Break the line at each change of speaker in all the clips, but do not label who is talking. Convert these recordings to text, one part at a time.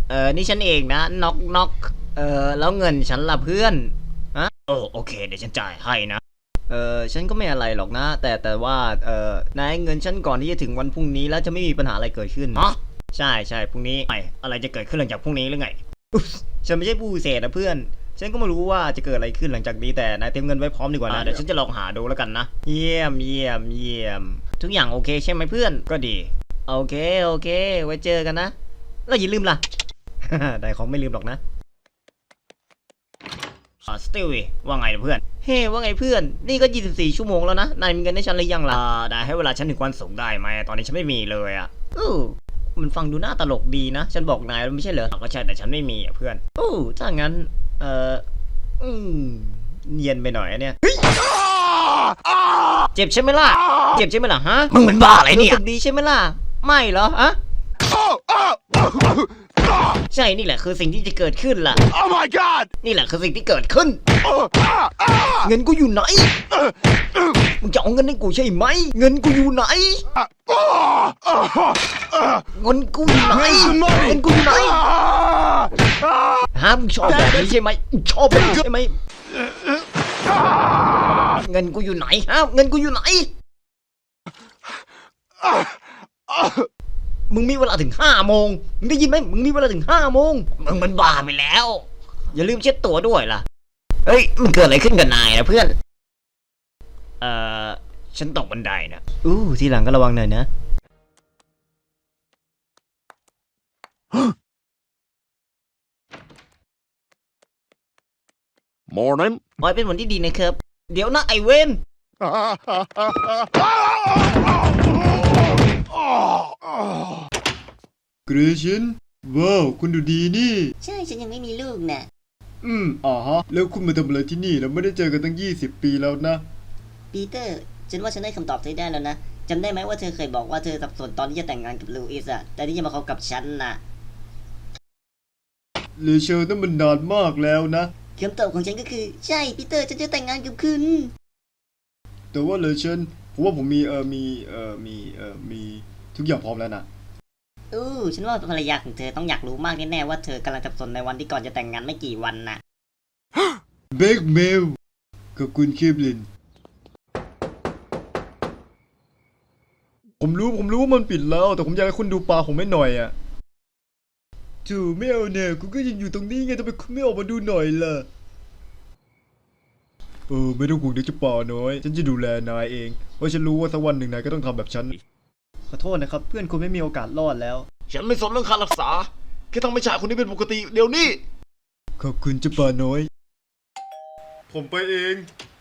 นี่ฉันเองนะน็อกแล้วเงินฉันล่ะเพื่อนฮะโอเคเดี๋ยวฉันจ่ายให้นะฉันก็ไม่อะไรหรอกนะแต่ว่านายเงินฉันก่อนที่จะถึงวันพรุ่งนี้แล้วจะไม่มีปัญหาอะไรเกิดขึ้นใช่พรุ่งนี้อะไรจะเกิดขึ้นหลังจากพรุ่งนี้หรือไงฉันไม่ใช่ผู้พิเศษนะเพื่อนฉันก็ไม่รู้ว่าจะเกิดอะไรขึ้นหลังจากนี้แต่นายเตรียมเงินไว้พร้อมดีกว่านะเดี๋ยวฉันจะลองหาดูแล้วกันนะเยี่ยมทุกอย่างโอเคใช่ไหมเพื่อนก็ดีโอเคไว้เจอกันนะแล้วอย่าลืมล่ะ ได้ของไม่ลืมหรอกนะสติลว่าไงเพื่อนเฮ้ว่าไงเพื่อนนี่ก็24 ชั่วโมงแล้วนะนายมีเงินให้ฉันหรือยังล่ะได้ให้เวลาฉันถึงวันศุกร์ได้ไหมตอนนี้ฉันไม่มีเลยอ่ะมันฟังดูน่าตลกดีนะฉันบอกนายไม่ใช่เหรอก็ใช่แต่ฉันไม่มีอ่ะเพื่อนถ้างั้นเนียนไปหน่อยเนี่ยเจ็บใช่ไหมล่ะฮะมึงเป็นบ้าอะไรเนี่ยรู้สึกดีใช่ไหมล่ะไม่เหรอฮะใช่นี่แหละคือสิ่งที่จะเกิดขึ้นล่ะ
Oh my god
นี่แหละคือสิ่งที่เกิดขึ้นเงินกูอยู่ไหนมึงจะเอาเงินให้กูใช่ไหมเงินกูอยู่ไหนเงินกูอยู่ไหนเงินกูอยู่ไหนฮะมึงชอบแบบนี้ใช่ไหมชอบแบบนี้ใช่ไหมเงินกูอยู่ไหนฮะเงินกูอยู่ไหนมึงมีเวลาถึง5 โมงมึงได้ยินไหมมึงมีเวลาถึง5 โมงมึงมันบ้าไปแล้วอย่าลืมเช็ดตัวด้วยล่ะเฮ้ยมันเกิดอะไรขึ้นกับนายนะเพื่อนฉันตกบันไดนะทีหลังก็ระวังหน่อยนะ
Morning
ขอให้เป็นวันที่ดีนะครับเดี๋ยวนะไอเวน
เกรเชนว้าวคุณดูดีนี่
ใช่ฉันยังไม่มีลูกน่ะ
ฮะแล้วคุณมาทำอะไรที่นี่เราไม่ได้เจอกันตั้ง20 ปีแล้วนะ
ปีเตอร์ ฉันว่าฉันได้คำตอบเธอได้แล้วนะจำได้ไหมว่าเธอเคยบอกว่าเธอสับสนตอนที่จะแต่งงานกับลูอิสอะแต่ที่จะมาคบกับฉันน่ะ
เลเชลนั่นมันนานมากแล้วนะ
คำตอบของฉันก็คือใช่ปีเตอร์ฉันจะแต่งงานกับคุณ
แต่ว่าเลเชนผมว่าผมมีทุกอย่างพร้อมแล้วนะ
ฉันว่าภรรยาของเธอต้องอยากรู้มากแน่ๆว่าเธอกำลังสับสนในวันที่ก่อนจะแต่งงานไม่กี่วันน่ะ
เบคเมลกับคุณเคปลินผมรู้ว่ามันปิดแล้วแต่ผมอยากให้คุณดูปลาผมไม่หน่อยอ่ะจู่ไม่เอาเนี่ยคุณก็ยังอยู่ตรงนี้ไงทำไมคุณไม่ออกมาดูหน่อยล่ะไม่ต้องห่วงเดี๋ยวจะป่าน้อยฉันจะดูแลนายเองเพราะฉันรู้ว่าสักวันหนึ่งนายก็ต้องทำแบบฉันขอโทษนะครับเพื่อนคุณไม่มีโอกาสรอดแล้ว
ฉันไม่สนเรื่องค่ารักษาแค่ทำให้ชายคนนี้เป็นปกติเดี๋ยวนี้
ขอบคุณเจ้าป่าน้อยผมไปเอง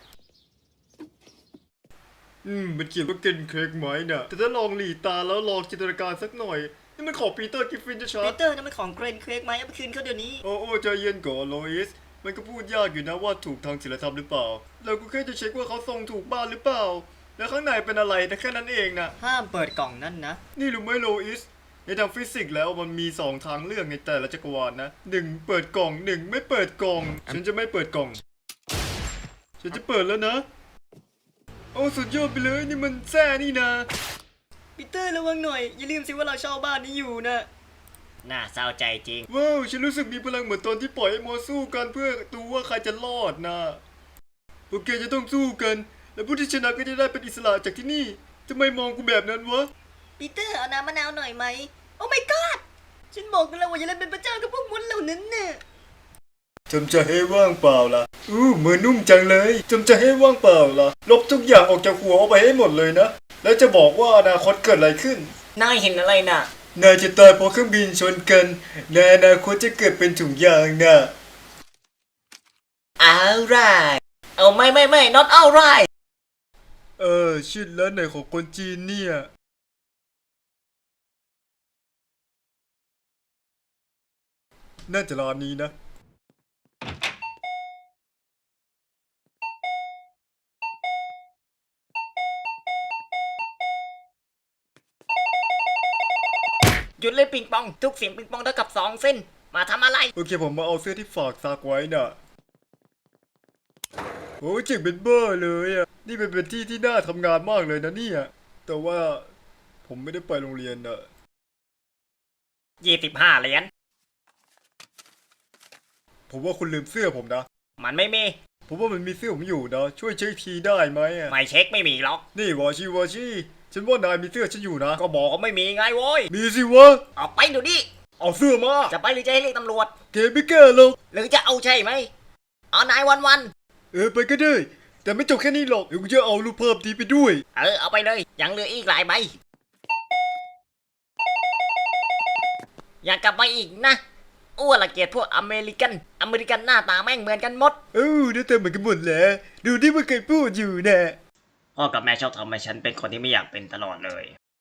มันเขียนว่าเกนเค้กไหมน่ะแต่ถ้าลองหลีตาแล้วลองจินตนาการสักหน่อยนี่มันของปีเตอร์กิฟฟินจะชั
ปี
ด
เตอร์นั่นมันของเกรนเครกไหมเอาไปคืนเขาเดี๋ยวนี้
โอ้ใจเย็นก่อนโลอิสมันก็พูดยากอยู่นะว่าถูกทางศีลธรรมหรือเปล่าเราก็แค่จะเช็คว่าเขาส่งถูกบ้านหรือเปล่าแล้วข้างในเป็นอะไรแต่แค่นั้นเองนะ
ห้ามเปิดกล่องนั่นนะ
นี่รู้ไหมโลอิสในทางฟิสิกส์แล้วมันมี2 ทางเลือกในแต่ละจักรวาลนะ1เปิดกล่อง1ไม่เปิดกล่องฉันจะไม่เปิดกล่องฉันจะเปิดแล้วนะโอ้สุดยอดไปเลยนี่มันแซ่นี่นะ
ปีเตอร์ระวังหน่อยอย่าลืมสิว่าเราเช่าบ้านนี้อยู่นะน่าเศร้าใจจริง
ว้าวฉันรู้สึกมีพลังเหมือนตอนที่ปล่อยให้มอสู้กันเพื่อดูว่าใครจะรอดนะพวกแกจะต้องสู้กันและผู้ที่ชนะก็จะได้เป็นอิสระจากที่นี่ทำไมมองกูแบบนั้นวะ
ปีเตอร์เอาน้ำมะนาวหน่อยไหมโอ้ my god ฉันบอกกันแล้วว่าอย่าเล่นเป็นพระเจ้ากับพวกมดเหล่านั้นน่ะ
จำจะให้ว่างเปล่าล่ะมือนุ่มจังเลยจำจะให้ว่างเปล่าล่ะลบทุกอย่างออกจากหัวเอาไปให้หมดเลยนะแล้วจะบอกว่าอนาคตเกิดอะไรขึ้น
นายเห็นอะไรน่ะ
นายจะตายเพราะเครื่องบินชนกันในอนาคตจะเกิดเป็นถุงยางนะ
alright เอาไม่ not alright
ชิดแล้วไหนของคนจีนเนี่ยน่าจะร้านนี้นะ
หยุดเล่นปิงปองทุกเสียงปิงปองเท่ากับ2 เส้นมาทำอะไร
โอเคผมมาเอาเสื้อที่ฝากซักไว้น่ะโอ้เจ๋งเป็นเบ้อเลยอ่ะนี่เป็นที่ที่น่าทำงานมากเลยนะเนี่ยแต่ว่าผมไม่ได้ไปโรงเรียนน่ะ
25 เหรียญ
ผมว่าคุณลืมเสื้อผมนะ
มันไม่มี
ผมว่ามันมีเสื้อผมอยู่นะ ช่วยเช็คทีได้ไหมอะ
ไม่เช็คไม่มีหรอก
นี่วอชี่ฉันว่านายมีเสื้อฉันอยู่นะ
ก็บอกว่าไม่มีไงโว้ย
มีสิวะ
ออกไปเดี๋ยวนี้
เอาเสื้อมา
จะไปหรือจะให้เรียกตำรวจ
เกมไม่แก้หรอก
หรือจะเอาใช่ไหมเอานายวัน
ไปก็ได้ แต่ไม่จบแค่นี้หรอกเดี๋ยวกูจะเอารูปภาพนี้ไปด้วย
เอาไปเลย ยังเหลืออีกหลายใบ อยากกลับมาอีกนะอ้วนละเกียดพวกอเมริกันหน้าตาแม่งเหมือนกันหมด
เดี๋ยวเธอเหมือนกันหมดแหละดูที่มันเคยพูดอยู่นะ
พ่อกับแม่ชอบทำให้ฉันเป็นคนที่ไม่อยากเป็นตลอดเลย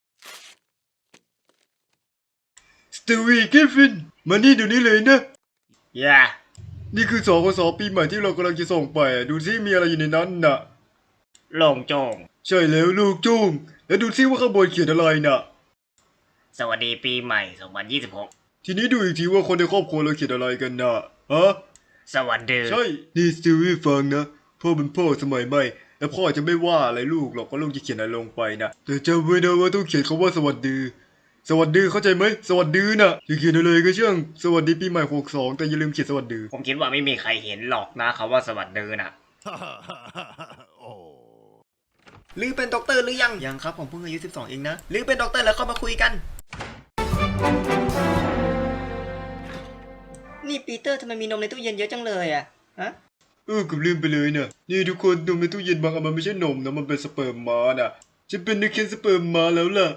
สตีวีเกฟฟินมานี่เดี๋ยวนี้เลยนะ
อย่า
นี่คือสกสปีใหม่ที่เรากำลังจะส่งไปดูซิมีอะไรอยู่ในนั้นน่ะ
โล่งโจง
ใช่แล้วลูกจุ้งแล้วดูซิว่าข้างบนเขียนอะไรน่ะ
สวัสดีปีใหม่ 2026
ทีนี้ดูอีกทีว่าคนในครอบครัวเราเขียนอะไรกันน่ะฮะ
สวัสดี
ใช่ นี่สตีวีฟังนะพ่อเป็นพ่อสมัยใหม่และพ่อจะไม่ว่าอะไรลูกหรอกว่าลูกจะเขียนอะไรลงไปนะแต่จำไว้นะว่าต้องเขียนคำว่าสวัสดี สวัสดีเข้าใจไหมสวัสดีนะจะเขียนอะไรก็ช่างสวัสดีปีใหม่62แต่อย่าลืมเขียนสวัสดี
ผมคิดว่าไม่มีใครเห็นหรอกนะคำว่าสวัสดีนะ
หรือเป็นด็อกเตอร์หรือยัง
ยังครับผมเพิ่งอายุ12เองนะ
หรือเป็นด็อกเตอร์แล้วเข้ามาคุยกัน
นี่ปีเตอร์ทำไมมีนมในตู้เย็นเยอะจังเลยอะฮะ
กับลืมไปเลยนะนี่ทุกคนนมในตู้เย็นบางอันมันไม่ใช่นมนะมันเป็นสเปิร์มม้านะฉันเป็นนักเขียนสเปิร์มม้าแล้วล่ะ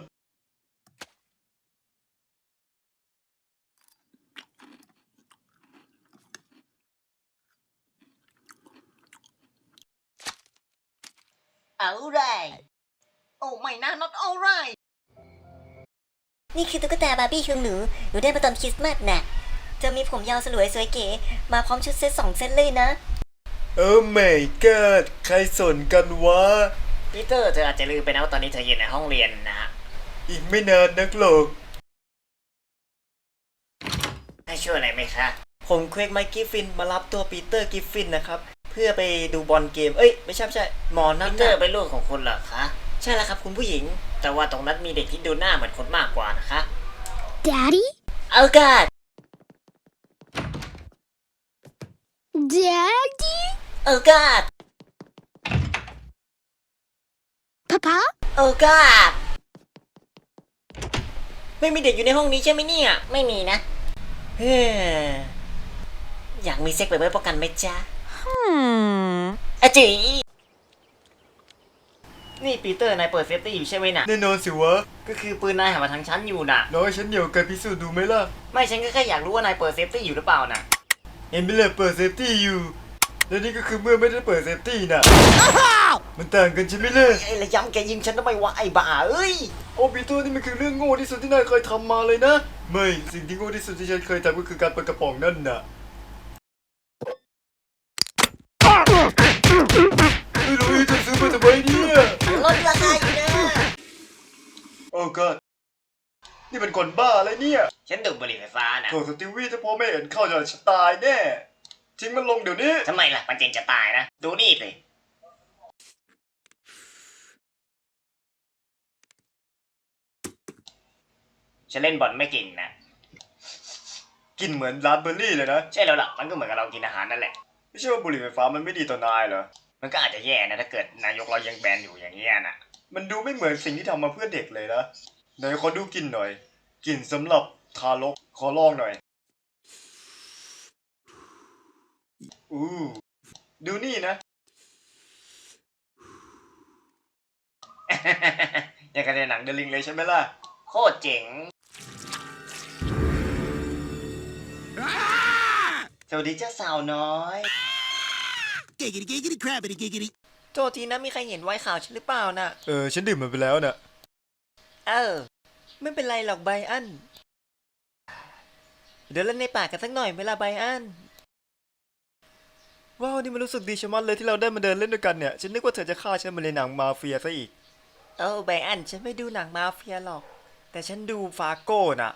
alright โอ้ไม่นะ not alright
นี่คือตุ๊กตาบาร์บี้ของหนูได้มาตอนคริสต์มาสน่ะเธอมีผมยาวสลวยสวยเก๋ มาพร้อมชุดเซ็ต2 เซตเลยนะ
โอ้ไม่กอดใครสนกันวะ
ปีเตอร์เธออาจจะลืมไปนะว่าตอนนี้เธออยู่ในห้องเรียนนะ
อีกไม่นานนักหรอก
ให้ช่วยอะไรไหมคะ
ผมเควกไมค์กิฟฟินมารับตัวปีเตอร์กิฟฟินนะครับ เพื่อไปดูบอลเกม ไม่ใช่หมอนั่
ปี
น
เตอร์
นะ
เป็นลูกของคุณเหรอคะ
ใช่แล้วครับคุณผู้หญิง
แต่ว่าตรงนั้นมีเด็กที่ดูหน้าเหมือนคนมากกว่านะคะ
Daddy
เอากาด
Daddy
เอากาด
Papa
เอากาดไม่มีเด็กอยู่ในห้องนี้ใช่ไหมเนี่ย ไม่มีนะ
เฮ้
อยากมีเซ็กไปไว้ป้องกันไหมจ๊ะ
อะจี
นี่ปีเตอร์นายเปิดเซฟตี้อยู่ใช่ไหมน่ะ
แน่นอนสิวะ
ก็คือปืนนายหันมาทางฉันอยู่น่ะ
น้อยฉันเหนียวกันพิสูจน์ดูไหมล่ะ
ไม่ฉันก็แค่อยากรู้ว่านายเปิดเซฟตี้อยู่หรือเปล่าน่ะ
เห็นไหมล่ะเปิดเซฟตี้อยู่ และนี่ก็คือเมื่อไม่ได้เปิดเซฟตี้น่ะ มันต่างกันใช่ไหมล่ะ
ไอ้ระยำแกยิงฉันทำไมวะไอ้บ้าเอ้ย
โอ้ปีเตอร์นี่มันคือเรื่องโง่ที่สุดที่นายเคยทำมาเลยนะ ไม่สิ่งที่โง่ที่สุดที่ฉันเคยทำก็คือการเปิดกระป๋องนั่นน่ะไม่รู้จะซื้อมาทำไมเนี่ย
ลดราคาอยู่นะ
โอ้ก็นี่เป็นคนบ้าอะไรเนี่ย
ฉันดูดบุหรี่ไฟฟ้าน่ะ
โถสติวี่ถ้าพ่อไม่เห็นเข้าจะตายแน่ทิ้งมันลงเดี๋ยวนี้
ทำไมล่ะมันเจงจะตายนะ ดูนี่สิฉันเล่นบอลไม่เก่งนะ
กินเหมือนราสเบอร์รี่เลยนะ
ใช่แล้วล่ะ มันก็เหมือนกับเรากินอาหารนั่นแหละ
ไม่ใช่ว่าบุหรี่ไฟฟ้ามันไม่ดีต่อนายเหรอ
มันก็อาจจะแย่นะถ้าเกิดนายกเรายังแบนอยู่อย่างเงี้ยนะ
มันดูไม่เหมือนสิ่งที่ทำมาเพื่อเด็กเลยนะไหนขอดูกลินหน่อยกลินสำหรับทารกขอลองหน่อยดูนี่นะ อย่างกับในหนังเดลิงเลยใช่ไหมล่ะ
โคตรเจ๋ง
สวัสดีเจ้าสาวน้อย
Giggity, giggity, crabbity, giggity.
โทษทีนะมีใครเห็นไวน์ข่าวฉันหรือเปล่าน่ะ
ฉันดื่มมันไปแล้วน่ะ
ไม่เป็นไรหรอกไบอัน เดี๋ยวเล่นในป่ากันสักหน่อยเวลาไบอัน ว้าวนี่มันรู้สึกดีชะมัดเลยที่เราได้มาเดินเล่นด้วยกันเนี่ย ฉันนึกว่าเธอจะฆ่าฉันมาในหนังมาเฟียซะอีกไบอันฉันไม่ดูหนังมาเฟียหรอก แต่ฉันดูฟาโก้น่ะ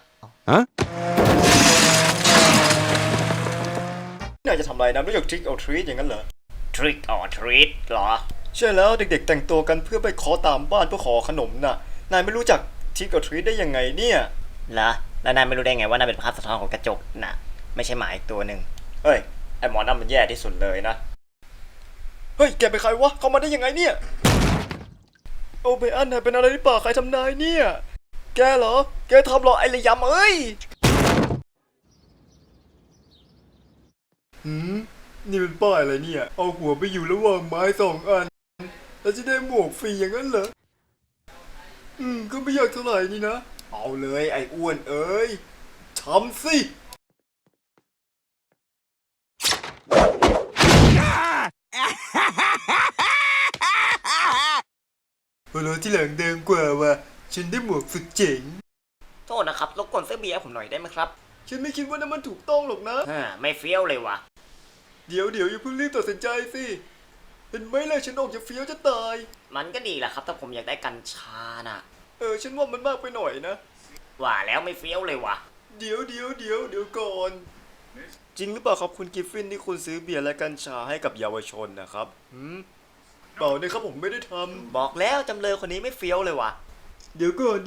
นายจะทำอะไรนะรู้จักทริกเอาทรีตอย่างนั้นเหรอ
trick or treat เหรอ
ใช่แล้วเด็กๆแต่งตัวกันเพื่อไปขอตามบ้านเพื่อขอขนมน่ะ นายไม่รู้จักทริกเอาทรีตได้ยังไงเนี่ย
เหรอ แล้วนายไม่รู้ได้ไงว่านั่นเป็นภาพสะท้อนของกระจกน่ะ ไม่ใช่หมาอีกตัวหนึ่ง
เฮ้ย
ไอ้หมอนั่นมันแย่ที่สุดเลยนะ เฮ้ย แกเป็นใครวะ เข้ามาได้ยังไงเนี่ย โอเบอันนายเป็นอะไรหรือเปล่า ใครทำนายเนี่ย แกเหรอ แกทำเหรอไอ้ระยำเอ้ยนี่เป็นป้ายอะไรเนี่ย เอาหัวไปอยู่ระหว่างไม้2 อัน แล้วจะได้หมวกฟรีอย่างนั้นเหรอ ก็ไม่อยากเท่าไหร่นี่นะ เอาเลยไอ้อ้วนเอ้ยทำสิเวลาที่หลังเดิมกว่าว่ะฉันได้หมวกสุดเจ๋ง
โทษนะครับรบกวนซื้อเบียร์ผมหน่อยได้ไหมครับ
ฉันไม่คิดว่านั่นมันถูกต้องหรอกนะ
ไม่เฟี้ยวเลยว่ะ
เดี๋ยวอย่าเพิ่งรีบตัดสินใจสิ เห็นไหมล่ะฉันออกจะเฟี้ยวจะตาย
มันก็ดีแหละครับถ้าผมอยากได้กัญชาน่ะ
ฉันว่ามันมากไปหน่อยนะ
ว่าแล้วไม่เฟี้ยวเลยว่ะ
เดี๋ยวก่อน จริงหรือเปล่าครับคุณกิฟฟินที่คุณซื้อเบียร์และกัญชาให้กับเยาวชนนะครับเปล่านะครับผมไม่ได้ทำ
บอกแล้วจำเลยคนนี้ไม่เฟี้ยวเลยว่ะ
เดี๋ยวก่อน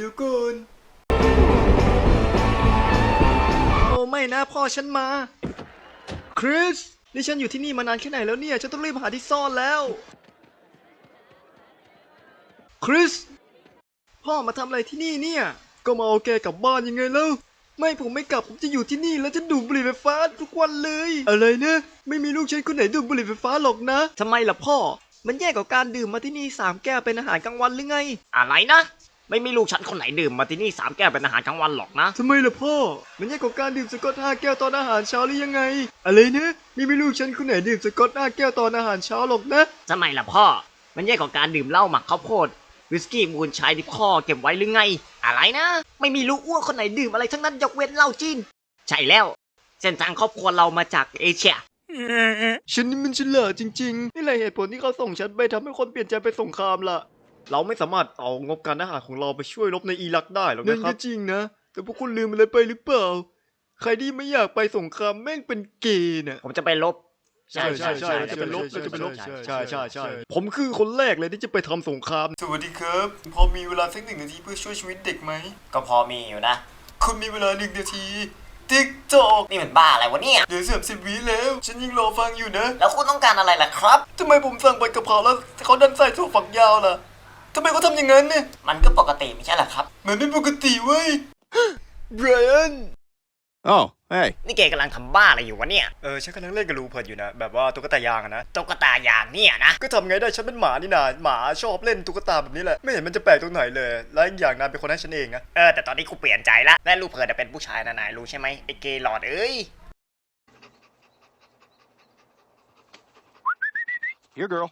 โอ้ไม่นะพ่อฉันมา คริส นี่ฉันอยู่ที่นี่มานานแค่ไหนแล้วเนี่ย ฉันต้องรีบหาที่ซ่อนแล้ว คริส พ่อมาทำอะไรที่นี่เนี่ย ก็มาเอาแกกลับบ้านยังไงเล่าไม่ผมไม่กลับผมจะอยู่ที่นี่แล้วจะดูดบุหรี่ไฟฟ้าทุกวันเลย อะไรนะไม่มีลูกฉันคนไหนดูดบุหรี่ไฟฟ้าหรอกนะทำไมล่ะพ่อ มันแย่กว่าการดื่มมาที่นี่3 แก้วเป็นอาหารกลางวันหรือไง
อะไรนะ ไม่มีลูกฉันคนไหนดื่มมาที่นี่3 แก้วเป็นอาหารกลางวันหรอกนะ
ทำไมล่ะพ่อ มันแย่กว่าการดื่มสกอต5 แก้วตอนอาหารเช้าหรือยังไง อะไรนะไม่มีลูกฉันคนไหนดื่มสกอต5 แก้วตอนอาหารเช้าหรอกนะ
ทำไมล่ะพ่อ มันแย่กว่าการดื่มเหล้าหมักข้าวโพดวิสกี้มูลชายที่พ่อเก็บไว้หรือไง อะไรนะ ไม่มีลูกอ้วนคนไหนดื่มอะไรทั้งนั้นยกเว้นเหล้าจีน ใช่แล้ว เส้นทางครอบครัวเรามาจากเอเชีย
ฉันนี่มันฉลาดจริงๆ นี่แหละเหตุผลที่เขาส่งฉันไปทำให้คนเปลี่ยนใจไปสงครามล่ะ เราไม่สามารถเอางบการทหารของเราไปช่วยรบในอิรักได้หรอกนะครับ นั่นก็จริงนะ แต่พวกคุณลืมอะไรไปหรือเปล่า ใครที่ไม่อยากไปสงครามแม่งเป็นเกย์น่ะ
ผมจะไปลบ
ใช่เราจะไปลบใช่ผมคือคนแรกเลยที่จะไปทำสงคราม สวัสดีครับ พอมีเวลาสัก1 นาทีเพื่อช่วยชีวิตเด็กไหม
ก็พอมีอยู่นะ
คุณมีเวลา1 นาทีติ๊กตอก
นี่มันบ้าอะไรวะเนี่ย
เดี๋ยว30 วิแล้ว ฉันยังรอฟังอยู่นะ
แล้วคุณต้องการอะไรล่ะครับ
ทำไมผมสั่งผัดกะเพราแล้วเขาดันใส่ถั่วฝักยาวล่ะทำไมเขาทำอย่างนั้นเนี่ย
มันก็ปกติไม่ใช่เหรอครับ
มันไม่ปกติเว้ย ไบรอัน
Oh, hey.
นี่แกกำลังทำบ้าอะไรอยู่วะเนี่ย
ฉันกำลังเล่นกับรูเพิร์ดอยู่นะ แบบว่าตุ๊กตายางอะนะ
ตุ๊กตาอย่างเนี่ยนะ
ก็ทำไงได้ฉันเป็นหมานี่นาหมาชอบเล่นตุ๊กตาแบบนี้แหละ ไม่เห็นมันจะแปลกตรงไหนเลย และอีกอย่างนายเป็นคนให้ฉันเองนะ
แต่ตอนนี้กูเปลี่ยนใจละและลูกเพิร์ดเป็นผู้ชายนะนายรู้ใช่ไหมไอ้เกย์หลอดเอ้ย
Here, girl.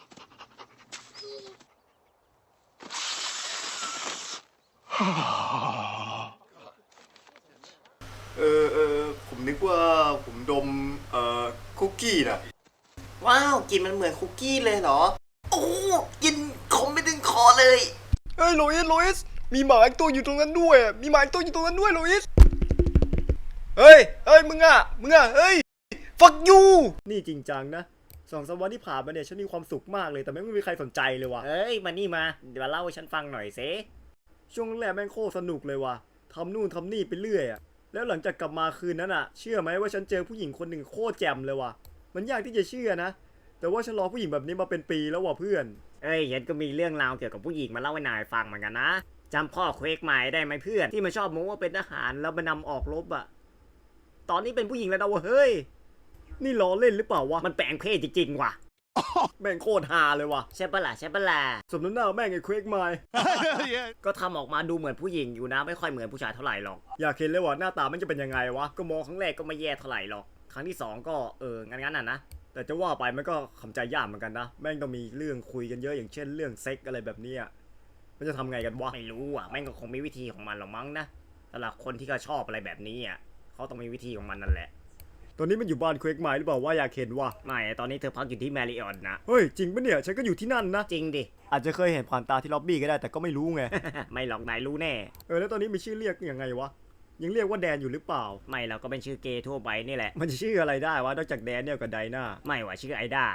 ผมนึกว่าผมดมคุกกี้น่ะ
ว้าวกลินมันเหมือนคุกกี้เลยเหรอ โอ้กินคมไม่ถึงคอเลย
เฮ้ยโลอิส มีหมาอีกตัวอยู่ตรงนั้นด้วยอะมีหมาอีกตัวอยู่ตรงนั้นด้วยโลอิส เฮ้ยมึงอ่ะ เฮ้ย fuck you นี่จริงจังนะ2-3 วันที่ผ่านมาเนี่ยฉันมีความสุขมากเลยแต่ไม่มีใครสนใจเลยว่ะ
เอ้ยมานี่มาเดี๋ยวเล่าให้ฉันฟังหน่อยสิ
ช่วงแรกแม่งโคตรสนุกเลยว่ะทำนู่นทำนี่ไปเรื่อยอะแล้วหลังจากกลับมาคืนนั้นอะเชื่อไหมว่าฉันเจอผู้หญิงคนหนึ่งโคตรแจ่มเลยว่ะ มันยากที่จะเชื่อนะ แต่ว่าฉันรอผู้หญิงแบบนี้มาเป็นปีแล้วว่ะเพื่อน
เอ้ยฉันก็มีเรื่องราวเกี่ยวกับผู้หญิงมาเล่าให้นายฟังเหมือนกันนะจำพ่อเควกไม้ได้ไหมเพื่อนที่มันชอบโม้ว่าเป็นทหารแล้วมันนำออกรบอะตอนนี้เป็นผู้หญิงแล้วนะวะเฮ้ย
นี่ล้อเล่นหรือเปล่าวะ
มันแปลงเพศจริงๆว่ะ
แม่งโคตรฮาเลยว่ะ
ใช่ปะล่ะใช่ปะล่ะ
สมน้ำหน้าแม่งไอ้เควกไมล์
Yeah.
ก็ทำออกมาดูเหมือนผู้หญิงอยู่นะไม่ค่อยเหมือนผู้ชายเท่าไหร่หรอก
อยากเห็นเลยว่าหน้าตามันจะเป็นยังไงวะ
ก็มองครั้งแรกก็ไม่แย่เท่าไหร่หรอกครั้งที่สองก็งั้นน่ะนะ
แต่จะว่าไปมันก็ขำใจยากเหมือนกันนะ แม่งต้องมีเรื่องคุยกันเยอะอย่างเช่นเรื่องเซ็กอะไรแบบเนี้ยมันจะทำไงกันวะ
ไม่รู้อ่ะแม่งก็คงมีวิธีของมันหรอกมั้งนะสำหรับคนที่ก็ชอบอะไรแบบนี้อ่ะเขาต้องมีวิธีของมันนั่นแหละ
ตอนนี้มันอยู่บ้านเควกไมล์หรือเปล่าว่าอยากเห็นวะ
ไม่ตอนนี้เธอพักอยู่ที่แมริออตนะ
เฮ้ยจริงปะเนี่ยฉันก็อยู่ที่นั่นนะ
จริงดิ
อาจจะเคยเห็นผ่านตาที่ล็อบบี้ก็ได้แต่ก็ไม่รู้ไง
ไม่หรอกนายรู้แน่
แล้วตอนนี้มีชื่อเรียกยังไงวะ ยังเรียกว่าแดนอยู่หรือเปล่า
ไม่เราก็เป็นชื่อเกย์ทั่วไปนี่แหละ
มันจะชื่ออะไรได้วะนอกจากแดนเนี่ยกับไดนา
ไม่ว่าชื่อไอด้า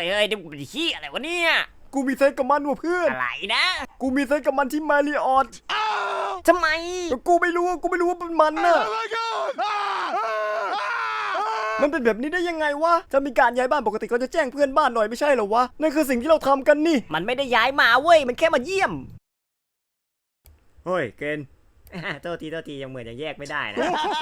เฮ้ยนี่มันขี้อะไรวะเนี่ย
กูมีเซ็กกับมันว่ะเพื่อน
อะไรนะ
กูมีเซ็กกับมันที่มาริออต
ทำไม
แต่กูไม่รู้ว่าเป็นมันน่ะ
Oh my God! Ah!
มันเป็นแบบนี้ได้ยังไงวะ ถ้ามีการย้ายบ้านปกติเขาจะแจ้งเพื่อนบ้านหน่อยไม่ใช่เหรอวะ นั่นคือสิ่งที่เราทำกันนี่
มันไม่ได้ย้ายมาเว้ย มันแค่มาเยี่ยม
เฮ้ยเกณฑ์
โทษทียังเหมือนยังแยกไม่ได้นะ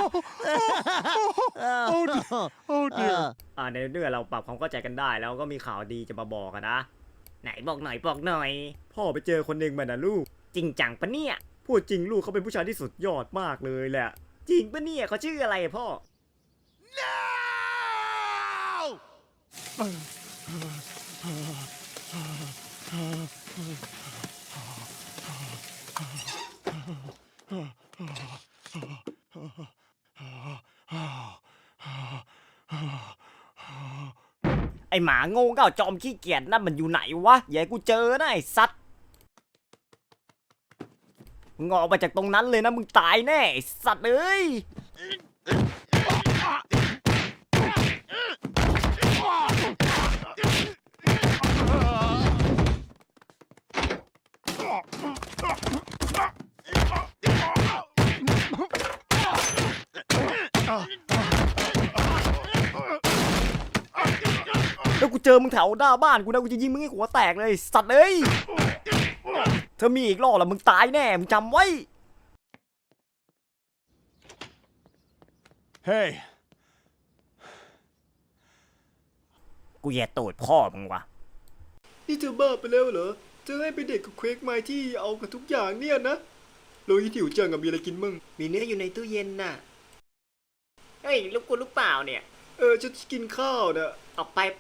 Oh dear! Oh dear!
ในเมื่อเราปรับความเข้าใจกันได้แล้วก็มีข่าวดีจะมาบอกกันนะ ไหนบอกหน่อย
พ่อไปเจอคนหนึ่งมานะลูก
จริงจังปะเนี่ย
พูดจริงลูกเขาเป็นผู้ชายที่สุดยอดมากเลยแหละ
จริงปะเนี่ยเขาชื่ออะไรอะพ่อ
No!
ไอหมาโง่เง่าจอมขี้เกียจนั่นมันอยู่ไหนวะ อย่าให้กูเจอนะไอสัตว์มึงออกมาจากตรงนั้นเลยนะมึงตายแน่ไอสัตว์เอ้ย
แล้วกูเจอมึงแถวหน้าบ้านกูนะกูจะยิงมึงให้หัวแตกเลยสัตว์เอ้ยเธอมีอีกรอบละมึงตายแน่มึงจำไว้
Hey,
กูแย่ตูดพ่อมึงวะ
นี่เธอบ้าไปแล้วเหรอเธอให้ไปเด็กกับเควกไม้ที่เอากับทุกอย่างเนี่ยนะโลหิตหิวจังอะมีอะไรกินมั่งมีเนื้ออยู่ในตู้เย็นน่ะ
เฮ้ยลูกกูลูกเปล่าเนี่ย
ฉันจะกินข้าวนะ
ออกไปไป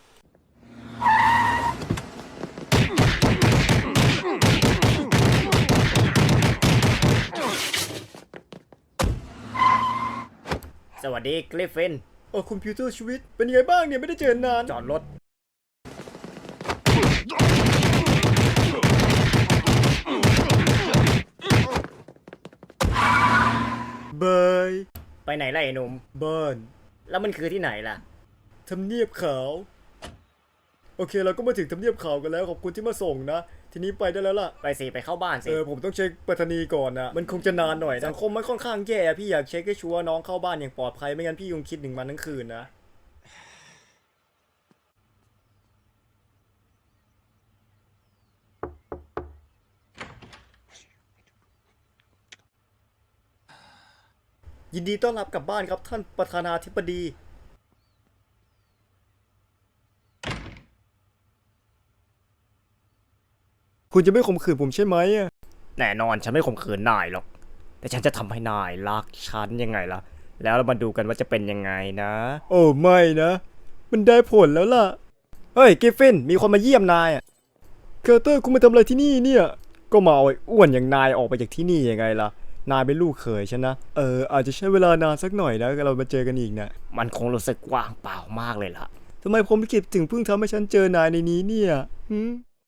สวัสดีกริฟฟิน
คอมพิวเตอร์ชีวิตเป็นยังไงบ้างเนี่ยไม่ได้เจอนาน
จอดรถ
บาย
ไปไหนล่ะไอ้หนุ่ม
บ้าน
แล้วมันคือที่ไหนล่ะ
ทำเนียบขาว โอเคเราก็มาถึงทำเนียบขาวกันแล้วขอบคุณที่มาส่งนะ ทีนี้ไปได้แล้วล่ะ
ไปสิไปเข้าบ้านสิ
ผมต้องเช็คไปรษณีย์ก่อนนะมันคงจะนานหน่อยสังคมมันค่อนข้างแย่พี่อยากเช็คให้ชัวร์น้องเข้าบ้านอย่างปลอดภัยไม่งั้นพี่คงคิดถึงมันทั้งคืนนะยินดีต้อนรับกลับบ้านครับท่านประธานาธิบดี คุณจะไม่ข่มขืนผมใช่ไหมอะ
แน่นอนฉันไม่ข่มขืนนายหรอก แต่ฉันจะทำให้นายรักฉันยังไงล่ะ แล้วเรามาดูกันว่าจะเป็นยังไงนะ
โอ้ไม่นะ มันได้ผลแล้วล่ะ เฮ้ยกิฟฟินมีคนมาเยี่ยมนายอะเคอร์เตอร์คุณมาทำอะไรที่นี่เนี่ย ก็มาเอาไอ้อ้วนอย่างนายออกไปจากที่นี่ยังไงล่ะ นายเป็นลูกเขยฉันนะ อาจจะใช้เวลานานสักหน่อยนะเรามาเจอกันอีกนะ
มันคงรู้สึกว่างเปล่ามากเลยล่ะ
ทำไมผมไม่คิดถึงเพิ่งทำให้ฉันเจอนายในนี้เนี่ยหืม